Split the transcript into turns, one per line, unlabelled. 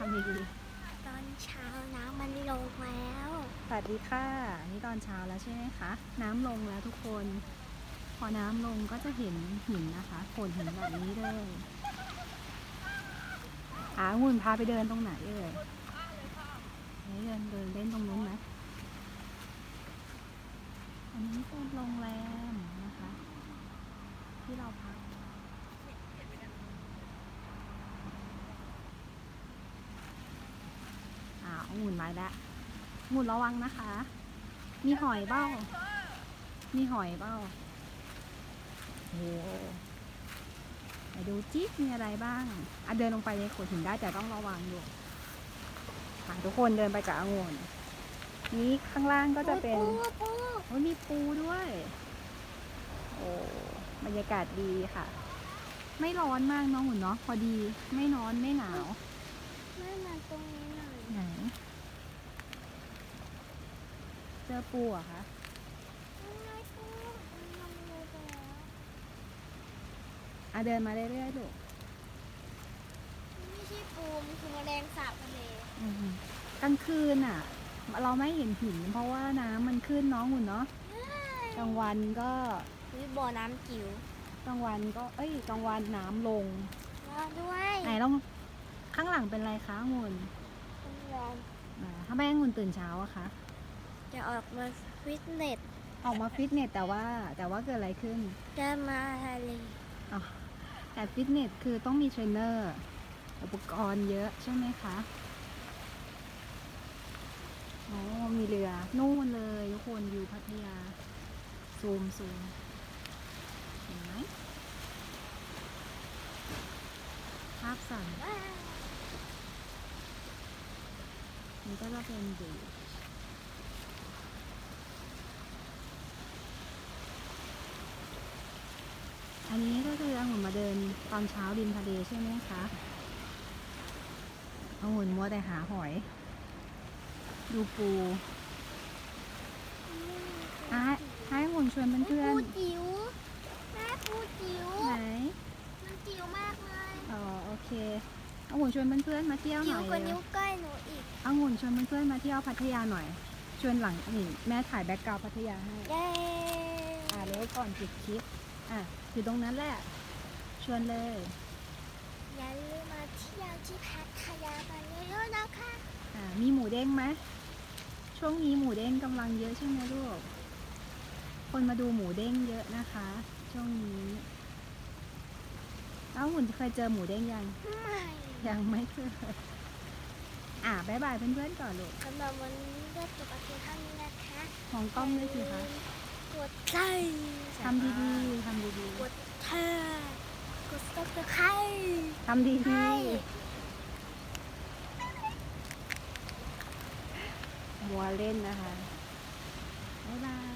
ำดี
ตอนเช้าน้ำมันลงแล้ว
ๆสวัสดีค่ะนี่ตอนเช้าแล้วใช่ไหมคะน้ำลงแล้วทุกคนพอน้ำลงก็จะเห็นหินนะคะโขดหินแบบนี้เลยองุ่นพาไปเดินตรงไหนเอ่ยเดินเล่นตรงนู้นไหมอันนี้เป็นโรงแรมนะคะที่เราพักองุ่นมาแล้วองุ่นระวังนะคะ มีหอยเบ้าโอ้ไปดูจิ๊บมีอะไรบ้างเดินลงไปในโขดหินได้แต่ต้องระวังอยู่ทุกคนเดินไปกับองุ่นนี้ข้างล่างก็จะเป็นมีปูด้วยโอ้บรรยากาศดีค่ะ ไม่ร้อนมากน้องหุ่นเนาะพอดีไม่ร้อนไม่หนาว
ไม่มาตรงนี้หน่อย
ไหนเจอปูอะคะ
ไม่ปูมันลงเลยไปแล้ว
เดินมาเรื่อยๆลูก
ไม่ใช่ปูมันคือแมลงสาบทะเล
กลางคืนอะเราไม่เห็นหินเพราะว่าน้ำมันขึ้นน้องหุ่นเนาะกลางวันก็
มีบ่อน้ำจิ๋ว
กลางวันก็กลางวันน้ำลง
ด้วย
ไหนลองข้างหลังเป็นไรคะองุ่นถ้าแม่องุ่นตื่นเช้าอะคะ
จะออกมาฟิตเนส
แต่ว่าเกิดอะไรขึ้น
จะมาทะเล
แต่ฟิตเนสคือต้องมีเทรนเนอร์อุปกรณ์เยอะใช่ไหมคะมีเรือนู่นเลยทุกคนอยู่พัทยาซูมเห็นไหมภาพสั่นนี่ก็จะเป็นบีชอันนี้ก็คือองุ่นมาเดินตอนเช้าริมทะเลใช่ไหมคะองุ่นมัวแต่หาหอยดูปูให้องุ่นชวนเพื่อน
ปูจิ๋วแม่ปูจิ๋ว
ไหน
มันจิ๋วมากเลย
โอเคองุ่นชวนเพื่อนมาเที่ยวหน่อย
จิ๋วกว่านิ้วก้อยหนูอีก
องุ่นชวนเพื่อนมาเที่ยวพัทยาหน่อยชวนหลังนี่แม่ถ่ายแบ็คกราวด์พัทยาให้
เย้
เดี๋ยวก่อนปิดคลิปอยู่ตรงนั้นแหละชวนเลย
อย่าลืมมาเที่ยวที่พัทยากันเยอะๆนะคะ
มีหมูเด้งไหมช่วงนี้หมูเด้งกำลังเยอะใช่ไหมลูกคนมาดูหมูเด้งเยอะนะคะช่วงนี้หุ่นเคยเจอหมูเด้งยังไม่เคยบ๊ายบายเพื่อนๆก่อนลูก
สำหรับวันนี้ก็จบเพียงเท่านี้นะคะ
ของกล้องด้วยสิคะ
กดไลค์
ทำดีๆ
กดแชร์กดซับสไครต์
ทำดีๆมัวเล่นนะคะบ๊ายบาย